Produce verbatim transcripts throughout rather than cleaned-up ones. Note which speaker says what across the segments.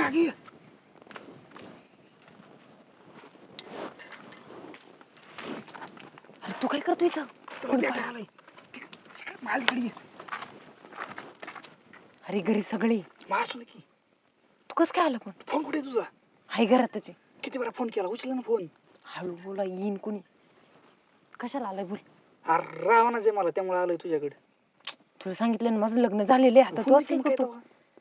Speaker 1: मागे ये.
Speaker 2: अरे तू काय करतो इथं?
Speaker 1: तुला भेटायला आलाय. तिक- तिकडे माझ्याकडे ये.
Speaker 2: अरे घरी सगळी.
Speaker 1: मग असू दे की.
Speaker 2: तू कस काय आला पण?
Speaker 1: फोन कुठे आहे तुझा?
Speaker 2: हाय घरात त्याचे.
Speaker 1: किती वेळा फोन केला, उचला ना फोन.
Speaker 2: हळू बोला, येईन कोणी. कशाला आलाय बोल.
Speaker 1: अरे रावणाच आहे मला, त्यामुळे आलोय तुझ्याकडे.
Speaker 2: तुझं सांगितलं ना माझं लग्न झालेलं आहे. आता तू
Speaker 1: फोन
Speaker 2: असं काय
Speaker 1: केला
Speaker 2: करतो?
Speaker 1: तेव्हा?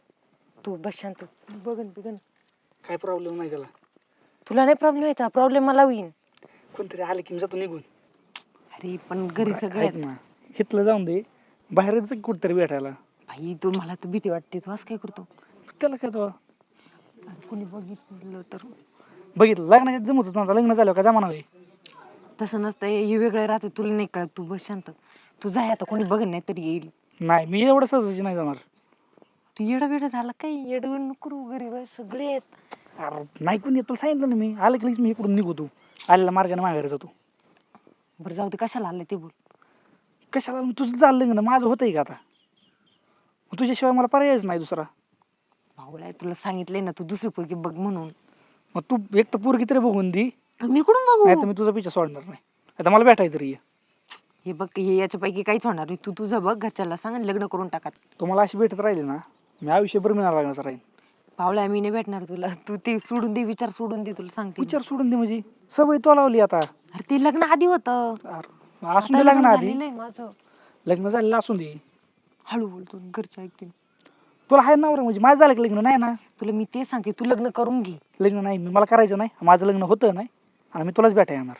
Speaker 2: तू बस शांत. बघन बिगन.
Speaker 1: काय प्रॉब्लेम नाही त्याला.
Speaker 2: तुला नाही प्रॉब्लेम व्हायचा, प्रॉब्लेम मला होईन.
Speaker 1: कोणतरी आलं की मी जातो निघून.
Speaker 2: अरे पण घरी सगळे
Speaker 1: ऐक ना, हिथलं जाऊन दे, बाहेरच कुठतरी भेटायला.
Speaker 2: भाई तू, मला तर भीती वाटते. तू असं काय करतो?
Speaker 1: त्याला काय तो
Speaker 2: कोणी बघितलं तर?
Speaker 1: बघितलं लग्नाच्या जमत होतं, लग्न झालं का जमाना होय.
Speaker 2: तसं नसतं, हे वेगळं राहते. तुला नाही कळत. तू बस शांत. तू जाय आता, कोणी बघ नाही तरी येईल.
Speaker 1: नाही मी एवढं सहजाची नाही जाणार.
Speaker 2: तू येडा बेडा झाला काय? येडवण नको करू. गरीब आहे सगळे आहेत.
Speaker 1: अरे नाही कोणी येत, तुला सांगितलं ना मी. आलं की लगेच मी इकडून निघतो. आलेल्या मार्गाने माघारी जातो.
Speaker 2: बरं जाऊ दे, कशाला आलं ते बोल.
Speaker 1: कशाला? तुझं झालं लग्न, माझं होतंय का आता? तुझ्याशिवाय मला पर्यायच नाही दुसरा.
Speaker 2: भावळा, तुला सांगितलंय ना तू दुसरी पोरगी बघ म्हणून.
Speaker 1: मग तू एक तर पोरगी तरी बघून दी,
Speaker 2: मी कुठून
Speaker 1: नाही तर
Speaker 2: बघू?
Speaker 1: मी तुझा पिछा सोडणार नाही. आता मला भेटाय तरी ये.
Speaker 2: हे बघ, हे याच्यापैकी काहीच होणार नाही. तू तुझं बघ, घरच्याला सांग आणि लग्न करून टाका.
Speaker 1: तुम्हाला अशी भेटत राहिली ना, मी आयुष्यभर मिळणार लागणार राहील.
Speaker 2: भावळ्या, मी नाही भेटणार तुला. तू ते सोडून दे, विचार सोडून दे. तुला सांगते मी.
Speaker 1: विचार सोडून दे म्हणजे सवय तो लावली आता.
Speaker 2: अरे ते लग्न आधी होतं.
Speaker 1: अरे, असून
Speaker 2: आता
Speaker 1: दे लग्न
Speaker 2: लग्न
Speaker 1: आधी.
Speaker 2: झालेलं आहे माझं.
Speaker 1: लग्न झालेलं असून दे.
Speaker 2: हळू बोलतो, घरचे ऐकतील.
Speaker 1: तुला हाय नवरा म्हणजे माझं झालं की लग्न नाही ना?
Speaker 2: तुला मी ते सांगते, तू लग्न करून घे.
Speaker 1: लग्न नाही, मी मला करायचं नाही. माझं लग्न होतं नाही आणि मी तुलाच भेटाय येणार.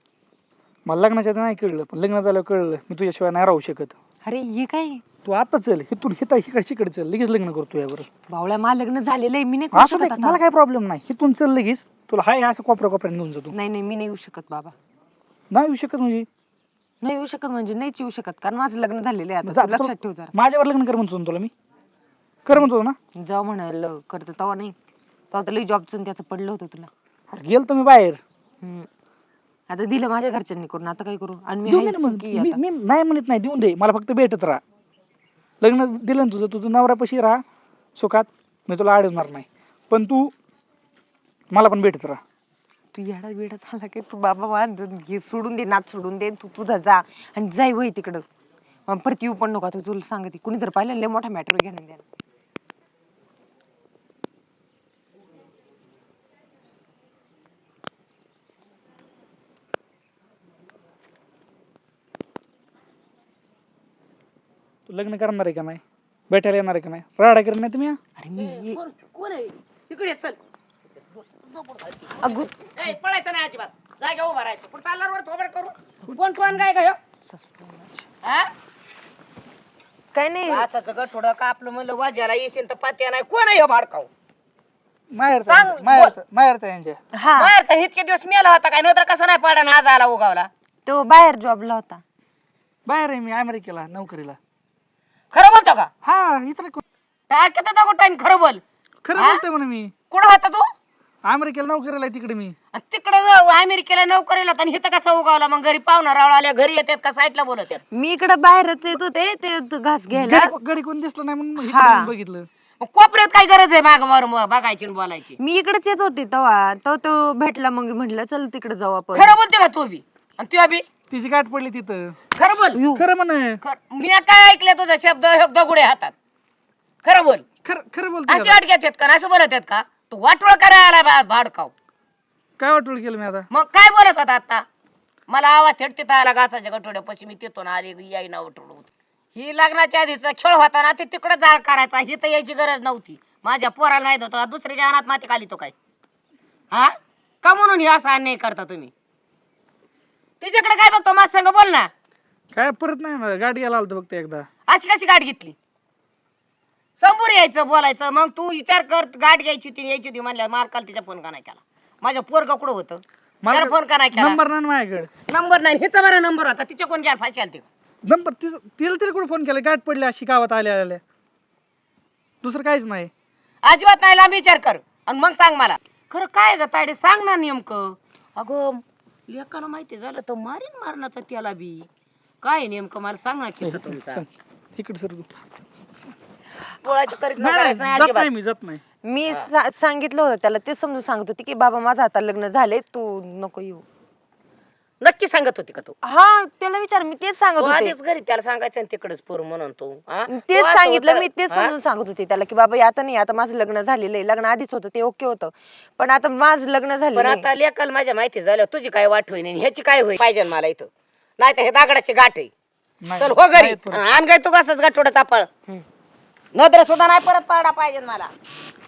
Speaker 1: मला लग्नाच्या आधी नाही कळलं, पण लग्न झालं कळलं मी तुझ्याशिवाय नाही राहू शकत.
Speaker 2: अरे हे काय?
Speaker 1: तू आता चल, हिथून हिता इकडे इकडे चल, लगेच लग्न करतो यावर.
Speaker 2: भावळ्या, मला लग्न झालेलं आहे. मी नाही करू
Speaker 1: असू दे,
Speaker 2: शकत आता.
Speaker 1: मला काय प्रॉब्लेम नाही. हिथून चल लगेच. तुला हाय असं कोपऱ्या कोपऱ्याने घेऊन जातो.
Speaker 2: नाही नाही, मी नाही येऊ शकत बाबा.
Speaker 1: नाही येऊ शकत म्हणजे?
Speaker 2: नाही येऊ शकत म्हणजे नाहीच येऊ शकत, कारण माझं लग्न झालेलं आहे आता.
Speaker 1: जा,
Speaker 2: तू लक्षात ठेव जरा.
Speaker 1: माझ्यावर लग्न कर म्हणतो ना तुला मी. कर म्हणतो ना.
Speaker 2: जाऊ म्हणाल करत तेव्हा नाही. तेव्हा तर लई जॉबचं त्याचं पडलं होतं तुला.
Speaker 1: अरे गेलतो मी बाहेर.
Speaker 2: हम्म. आता दिलं माझ्या घरच्यांनी करून, आता काय करू? आणि मी
Speaker 1: देऊन
Speaker 2: आहे
Speaker 1: दे ना मग.
Speaker 2: सुखी
Speaker 1: मी
Speaker 2: आता.
Speaker 1: मी नाही म्हणत नाही, देऊन दे. मला फक्त भेटत राहा. लग्न दिलं ना तुझं, तुझं नवऱ्यापाशी राहा सुखात, मी तुला अडवणार नाही. पण तू मला पण भेटत राहा.
Speaker 2: तू येडा बिडा झाला काय? तू बाबा मला घे सोडून दे, नाच सोडून दे. तू तुझा जा आणि जाई वय तिकडं. मग परत येऊ पण नको. आता तुला सांगते, कुणी जर पाहिलं लय मोठा मॅटर घेणं द्या.
Speaker 1: तू लग्न करणार आहे का नाही? भेटायला येणार आहे का नाही? राडा करणार नाही तुम्ही?
Speaker 2: अरे मी
Speaker 3: कोण आहे इकडे चल.
Speaker 2: अगो
Speaker 3: ए, पळायचं नाही अजिबात. जागा उभा राहायचं. पण तालावर थोबड करू. कोण कोण काय काय हा?
Speaker 2: काय नाही.
Speaker 3: असं जग थोडं का आपलं म्हणलं वाजायला येशील तर पात्या नाही. कोण आहे ह्यो भाडकाव?
Speaker 1: माहेरचा
Speaker 3: सांग,
Speaker 1: माहेरचा माहेरचा यांच्या.
Speaker 2: हा,
Speaker 3: बाहेरचा इतके दिवस मेला होता काय, नंतर कसा नाही पाडा आज आला उगावला.
Speaker 2: तो बाहेर जॉबला होता.
Speaker 1: बाहेर आहे मी अमेरिकेला नोकरीला.
Speaker 3: खरं बोलतो का?
Speaker 1: हा इतर
Speaker 3: टाकत होता टाइम. खरं बोल.
Speaker 1: खरं
Speaker 3: हा?
Speaker 1: बोलतोय म्हणून मी.
Speaker 3: कुठं होता तू?
Speaker 1: अमेरिकेला नोकरीला आहे तिकडे मी.
Speaker 3: तिकडे अमेरिकेला नोकरीला होता आणि इथं कसा उगावला? मग घरी पाहुणा रावळा आल्या घरी येतात का साईडला बोलत आहेत?
Speaker 2: मी इकडे बाहेरच येत होते ते त- घास घ्यायला.
Speaker 1: घरी घरी कोण दिसलं नाही म्हणून इकडे
Speaker 2: हा.
Speaker 1: येऊन बघितलं.
Speaker 3: मग कोपऱ्यात काय गरज आहे माग मार बघायची आणि बोलायची?
Speaker 2: मी इकडेच येत होते तेव्हा तो तो भेटला. मग म्हटलं चल तिकडे जाऊ आपण.
Speaker 3: खरं बोलते का तू बी आणि तू बी?
Speaker 1: तिची गाठ पडली तिथं.
Speaker 3: खरं बोल.
Speaker 2: यू.
Speaker 1: खरं म्हण.
Speaker 3: खरं- मी काय ऐकलं तुझा शब्द हे दगुडे हातात. खरं बोल.
Speaker 1: खरं खरं बोलतोय
Speaker 3: अशी
Speaker 1: आता.
Speaker 3: वाट घेतात का? असं बोलत आहेत का? तू वाटोळ करायला बा भाडकाव.
Speaker 1: काय वाटवलं केलं मी आता?
Speaker 3: मग काय बोलत होता आता? मला आवाज थेटते आला घासाच्या गठोड्यापाशी. मी तिथून आली याई ना उठवलं. ही लग्नाच्या आधीचा खेळ होता ना, ते तिकडे जाळ करायचा. ही तर यायची गरज नव्हती. माझ्या पोराला माहित होतं दुसऱ्याच्या अनात माती खाली तो काय हा का म्हणून हे असा अन्याय करता तुम्ही? तिच्याकडे काय बघतो? माझ संग बोल ना.
Speaker 1: काय परत नाही ना, गाडी यायला आलतो फक्त एकदा.
Speaker 3: अशी कशी गाठ घेतली? समोर यायचं बोलायचं. मग तू विचार कर, गाठ घ्यायची होती यायची होती म्हणल्या मार्काला तिच्या फोन का नाही केला? माझ्या पोरगा कुठं होतं? त्याला फोन का नाही केला?
Speaker 1: नंबर नाही ना माझ्याकडे.
Speaker 3: नंबर नाही. हिचा बरा नंबर होता. तिच्या कोण घ्यायला फाशी आलती?
Speaker 1: नंबर तिचं तिला तरी कुठे फोन केला? गाठ पडली अशी गावात आल्या आल्या. दुसरं काहीच नाही.
Speaker 3: अजिबात नाही. लांब विचार कर आणि मग सांग मला. खरं काय ग तायडे, सांग ना नेमकं. अगं लेकाला माहिती झालं तर मारीन मारण्याचा त्याला बी. काय नेमकं मला सांग ना किस्सा तुमचा.
Speaker 1: सांग. इकडे सर तू.
Speaker 3: पोळाचं करीत
Speaker 1: नाही,
Speaker 3: करायचं नाही
Speaker 1: जात
Speaker 3: अजिबात.
Speaker 1: नाही मी जात नाही.
Speaker 2: मी सा- सांगितलं होतं त्याला, ते समजून सांगत होती की बाबा माझं आता लग्न झाले, तू नको येऊ.
Speaker 3: नक्की सांगत होती का तू
Speaker 2: हा त्याला विचार, मी तेच सांगत
Speaker 3: तू
Speaker 2: होते.
Speaker 3: आधीच घरी त्याला सांगायचं आणि तिकडेच पोर म्हणून तू हा?
Speaker 2: तेच
Speaker 3: तू असं
Speaker 2: सांगितलं
Speaker 3: होतं-
Speaker 2: मी, तेच
Speaker 3: हा?
Speaker 2: समजून सांगत होते त्याला की बाबा आता नाही, आता माझं लग्न झालेलं आहे. लग्न आधीच होतं ते ओके होतं, पण आता माझं लग्न
Speaker 3: पण
Speaker 2: झालेलं आहे.
Speaker 3: आता लेकाल माझ्या माहिती झालं तुझी काय वाट होईन आणि ह्याची काय होईल पाहिजे मला इथं, नाही तर हे दागडाची गाठ आहे.
Speaker 1: नाही,
Speaker 3: चल हो घरी
Speaker 1: नाही परत.
Speaker 3: आण काय तू कसंच गाठोडं चापळ
Speaker 2: हम्म.
Speaker 3: नजर सुद्धा नाही परत पाडा पाहिजे मला.